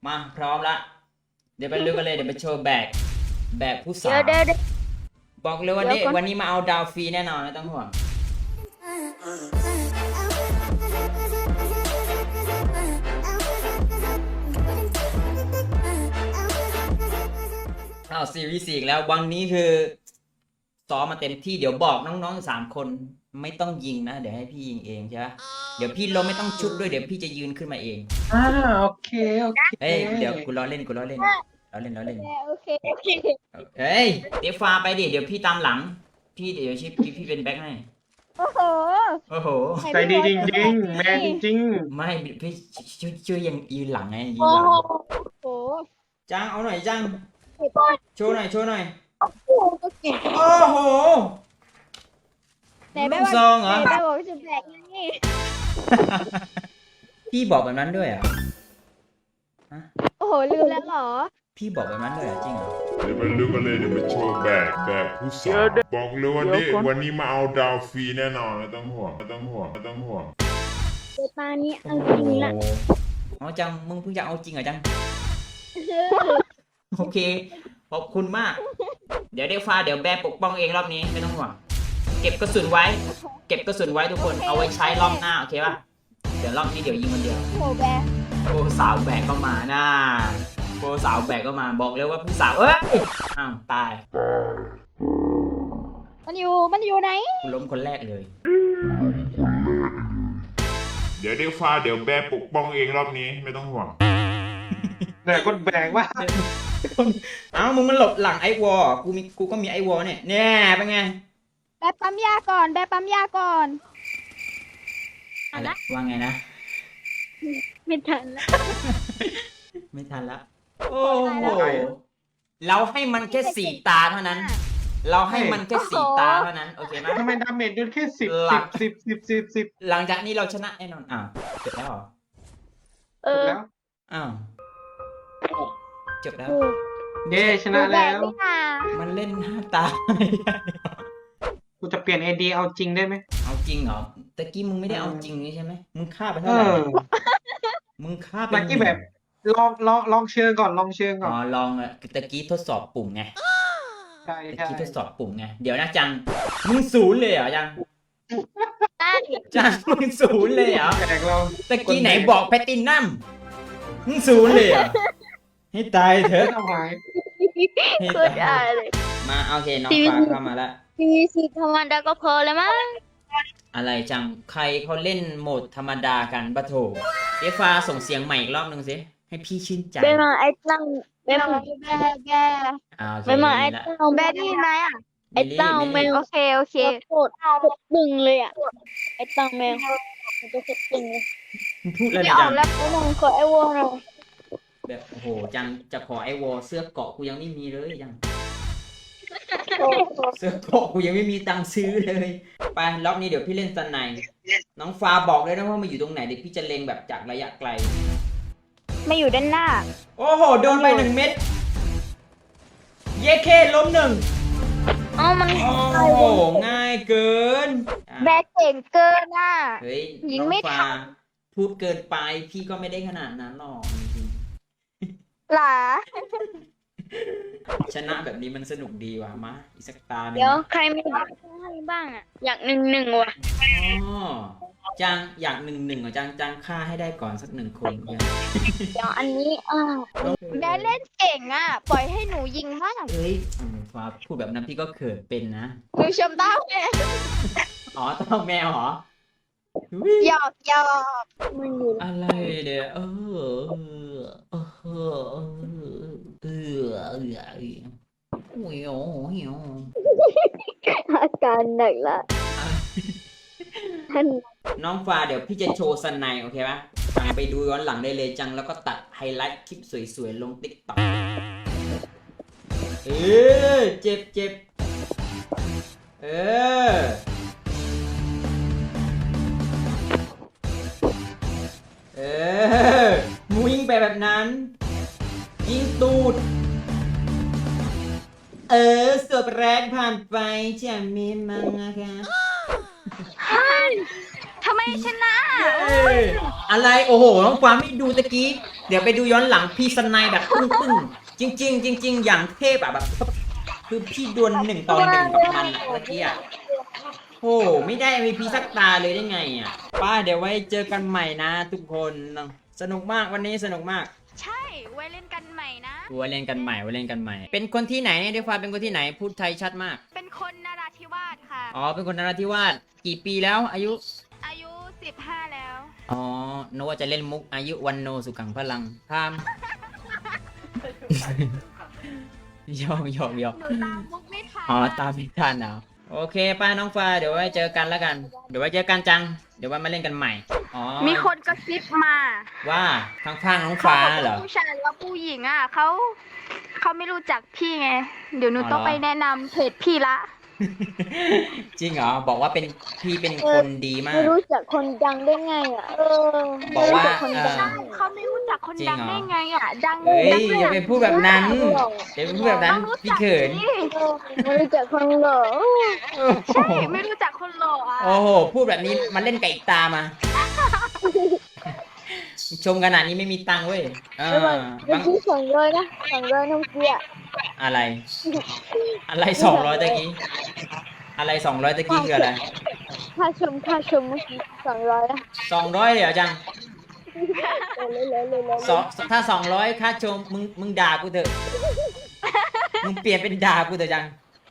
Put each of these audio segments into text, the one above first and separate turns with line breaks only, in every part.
มาพร้อมละเดี๋ยวไปลุยกันเลยเดี๋ยวไปโชว์แบกผู้สาว
เดี๋ยว
บอกเลยว่าวันนี้มาเอาดาวฟรีแน่นอนไม่ต้องห่วงซีรีส์4แล้ววันนี้คือซ้อมมาเต็มที่เดี๋ยวบอกน้องๆ3คนไม่ต้องยิงนะเดี๋ยวให้พี่ยิงเองใช่ไหมเดี๋ยวพี่ล้มไม่ต้องชุบด้วยเดี๋ยวพี่จะยืนขึ้นมาเอง
โอเค
เฮ้ยเดี๋ยวกูล้อเล่นโอเคเฮ้ยเดี๋ยวฟาไปดิเดี๋ยวพี่ตามหลังพี่เดี๋ยวพี่เป็นแบ็คให้
โอ้โห
ใจดีจริงๆแมนจริง
ไม่พี่ช่วยยังยืนหลังไงยืน
โอ้
หลัง
โห
จังเอาหน่อยจังโชว์หน่อย
โอ้โหก็เก่ง
โอ้โหลูกซองเหรอ
แต่บอกจะแบกนี่
พี่บอกแบบนั้นด้วยอ่ะ
โอ้โหลืมแล้วเหรอ
พี่บอกแบบนั้นด้วยจริงเหรอ
เดี๋ยวไปลุยกันเลยเดี๋ยวไปโชว์แบกผู้สาวบอกเลยวันนี้มาเอาดาวฟรีแน่นอนไม่ต้องห่วง
เดี๋ยวตานี้เอาจริงละ
อ๋อจังมึงเพิ่งจะเอาจริงเหรอจังโอเคขอบคุณมากเดี๋ยวฟ้าเดี๋ยวแบปกป้องเองรอบนี้ไม่ต้องห่วงเก็บกระสุนไว้ทุกคนเอาไว้ใช้รอบหน้าโอเคป่ะเดี๋ยวรอบนี้เดี๋ยวยิงคนเดียว
โอ้โหแบก
โอ้สาวแบกก็มาน่าโอ้สาวแบกก็มาบอกเลยว่าผู้สาวเอ้ยอ้าวตาย
มันอยู่ไหน
ล้มคนแรกเลย
เดี๋ยวฟ้าเดี๋ยวแบปกป้องเองรอบนี้ไม่ต้องห่วง
แต่คนแบกว่า
เอ้ามึงมันหลบหลังไอ้วอกูก็มีไอ้วอเนี่ยเป็นไง
แบกปั๊มยาก่อน
อะไรว่าไงนะ
ไม่ทัน
ละโอ้โหเราให้มันแค่4 ตาเท่านั้นเราให้มันแค่4 ตาเท่านั้นโอเคไหม
ทำไมดาเมจด้วยแค่10
หลังจากนี้เราชนะแน่นอนจบแล้วเหรอ
แล้ว
อ้าวจบแล้ว
เย้ชนะแล้ว
มันเล่น5 ตา
กูจะเปลี่ยนไอเดียเอาจริงได้ไหม
เอาจริงเหรอตะกี้มึงไม่ได้เอาจริงนี่ใช่ไหมมึงฆ่าไปเท่าไหร่มึงฆ่าไป
ตะกี้แบบลองเชิงก่อนลอง
ตะกี้ทดสอบปุ่มไง
ใช่
ตะกี้ทดสอบปุ่มไงเดี๋ยวนะจังมึง0เลยเหรอจังมึง0เลยเหรอตะกี้ไหนบอกแพตตินัมมึง0เลยเหรอให้ตายเถอะให้ตายเลยมาโอเคน้องฟ้าเข้ามาแล้ว
PVC ธรรมดาก็พอแล้วมั้ง
อะไรจังใครเขาเล่นโหมดธรรมดากันปะโถฟ้าส่งเสียงใหม่อีกรอบนึงสิให้พี่ชื่นใจ
ไปมาไอ้ตั้งไปมาไอ้ตั้งแบดี้ไหมอ่ะไอ้ตั้งแมวโอเคโคตรตึงเลยอ่ะไอ้ตั้งแมวมันจะตึงเลย
พูดอะไร
จังแล้วก็มองขอไอ้วอล
แบบโอ้โหจังจะขอไอ้วอลเสื้อเกาะกูยังไม่มีเลยยังเสื้อเกาะกูยังไม่มีตังค์ซื้อเลยไปรอบนี้เดี๋ยวพี่เล่นสไนด์น้องฟ้าบอกเลยนะว่ามาอยู่ตรงไหนเดี๋ยวพี่จะเล็งแบบจากระยะไกล
มาอยู่ด้านหน้า
โอ้โหโดนไป1 เม็ดเยเคล้ม1
มัน
โอ้โหง่ายเกิน
แบกเก่งเกินอ่ะ
เฮ้ยยิงไม่ทันพูดเกินไปพี่ก็ไม่ได้ขนาดนั้นหรอกจริง
หรอ
ชนะแบบนี้มันสนุกดีว่ะมาอีกสักตาหนึ่ง
เดี๋ยวใครมีบ้างอ่ะอยาก1-1ว่ะ
จังอยาก1-1อ่ะจังฆ่าให้ได้ก่อนสัก1 คน
เดี๋ยวอันนี้แม่เล่นเก่งอ่ะปล่อยให้หนูยิงบ้าง
เฮ้ยฟ้าพูดแบบนั้นพี่ก็เขินเป็นนะ
หนูชมเต้าแมว
เต้าแมวเหรอ
หยอกมันอยู่
อะไรเดี๋ยว
อาการหนักละ
น้องฟ้าเดี๋ยวพี่จะโชว์สไนด์โอเคปะฟังไปดูย้อนหลังได้เลยจังแล้วก็ตัดไฮไลท์คลิปสวยๆลงTikTokเจ็บมูยิงไปแบบนั้นยิงตูดสวบแรกผ่านไปจะมีมั้งนะคะ
ทำไมชนะ
อะไรโอ้โหน้องฟ้าไม่ดูตะกี้เดี๋ยวไปดูย้อนหลังพี่สไนแบบปึ้งจริงๆจริงๆอย่างเทพอะแบบคือพี่ดวล1 ต่อ 1กับมันอะเมื่อกี้อะโอ้ไม่ได้ MVP สักตาเลยได้ไงอะป้าเดี๋ยวไว้เจอกันใหม่นะทุกคนสนุกมากวันนี้สนุกมาก
ใช่ไว้เล่นกันใหม่นะ
ไว้เล่นกันใหม่เป็นคนที่ไหนเนี่ยด้วยความเป็นคนที่ไหนพูดไทยชัดมาก
เป็นคนนราธิวาสค่ะ
อ๋อเป็นคนนราธิวาสกี่ปีแล้วอายุ
อายุ15แล้ว
อ๋อนึกว่าจะเล่นมุกอายุวันโนสุขังพลังพาม หยอก
หนูตามมุกไม่ทัน
อ๋อตามไม่ทันเอาโอเคป้าน้องฟ้าเดี๋ยวไว้เจอกันแล้วกัน เดี๋ยวไว้เจอกันจัง เดี๋ยวไว้มาเล่นกันใหม่ อ๋อ
มีคนกระซิบมา
ว่าข้างๆน้อง
เขา
ฟ้า
บอก
เหร
ว่า
อ
ผู้ชายกับผู้หญิงอ่ะเขาไม่รู้จักพี่ไง เดี๋ยวหนู
อ๋อ
ต้องไปแนะนำเพจพี่ละ
จริงเหรอบอกว่าเป็นพี่เป็นคนดีมาก
ไม่รู้จักคนดังได้ไงอ่ะ
บอกว่า
ไม่รู้จัคนดัง
เขาไม่รู้จักคน
จริง
ดัง
เหรอ
ได้ไงอ่ะ ดัง
เฮ้ย
ดัง
อย่าไปพูดแบบนั้นอย่าไปพูดแบบนั้นพี่เขิน
ไม่รู้จักคนหล่อ
ใช่ไม่รู้จักคนหล่ออ่ะ
โอ้โหพูดแบบนี้มันเล่นไก่ตามา ชมขนาดนี้ไม่มีตังค์เว้ย
แล้วมัน
บาง
ที่200นะ200น้องเกียร์
อะไร อะไร200ตะกี้อะไร200ตะกี้คืออะไร
ค่าชมเมื่อกี้200นะ
200เลยเหรอจัง
เลย
ถ้า200ค่าชมมึงด่ากูเถอะมึงเปลี่ยนเป็นด่ากูเถอะจัง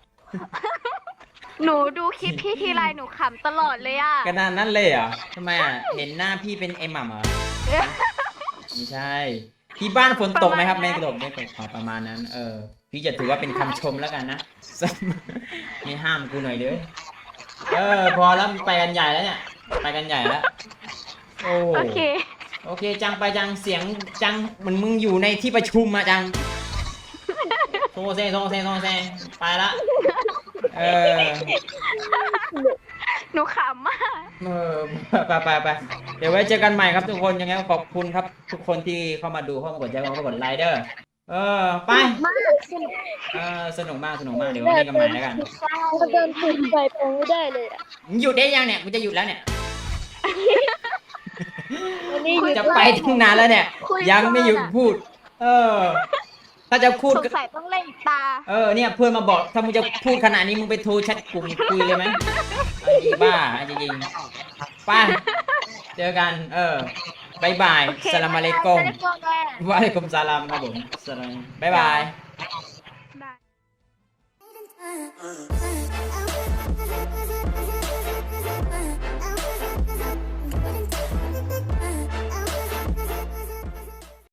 หนูดูคลิปพี่ทีไรหนูขำตลอดเลยอ่ะ
ขนาดนั้นเลยเหรอทำไมอ่ะเห็นหน้าพี่เป็นไอ้หม่ำเหรอไม่ใช่ที่บ้านฝนตกไหมครับไม่ตกอ๋อประมาณนั้น พี่จะถือว่าเป็นคำชมแล้วกันนะ ไม่ห้ามกูหน่อยเด้อพอแล้วไปกันใหญ่แล้วเนี่ยไปกันใหญ่แล้วโอ้
โอเค
โอเคจังไปจังเสียงจังเหมือนมึงอยู่ในที่ประชุมอะจังโซเซไปละ
หนูขำมาก
ไปเดี๋ยวไว้เจอกันใหม่ครับทุกคนยังไงก็ขอบคุณครับ ทุกคนที่เข้ามาดูเข้ามากดใจเข้ามากดไลค์เด้อไปสนุกมากเดี๋ยวไว้เจอกันใหม่แล้วกัน
ก็เดินถูกไปไม่ได้เลยอ่ะ
หยุดได้ยังเนี่ยกูจะหยุดแล้วเนี่ย
วันนี้
จะไปตั้งนานแล้วเนี่ย ยังไม่หยุดพูด ถ้าจะพูด
สงสัยต้องเล่นอีกตา
เนี่ยเพื่อนมาบอกถ้ามึงจะพูดขนาดนี้มึงไปโทรแชทกลุ่มคุยเลยไหมไอ้บ้าจริงๆไป้าเจอกันบายบาย
โอเค
สลามอะลัยกุม
วะอะลัยกุม
วะอะลัยกุมสลามครับผมสลามบายบาย
บาย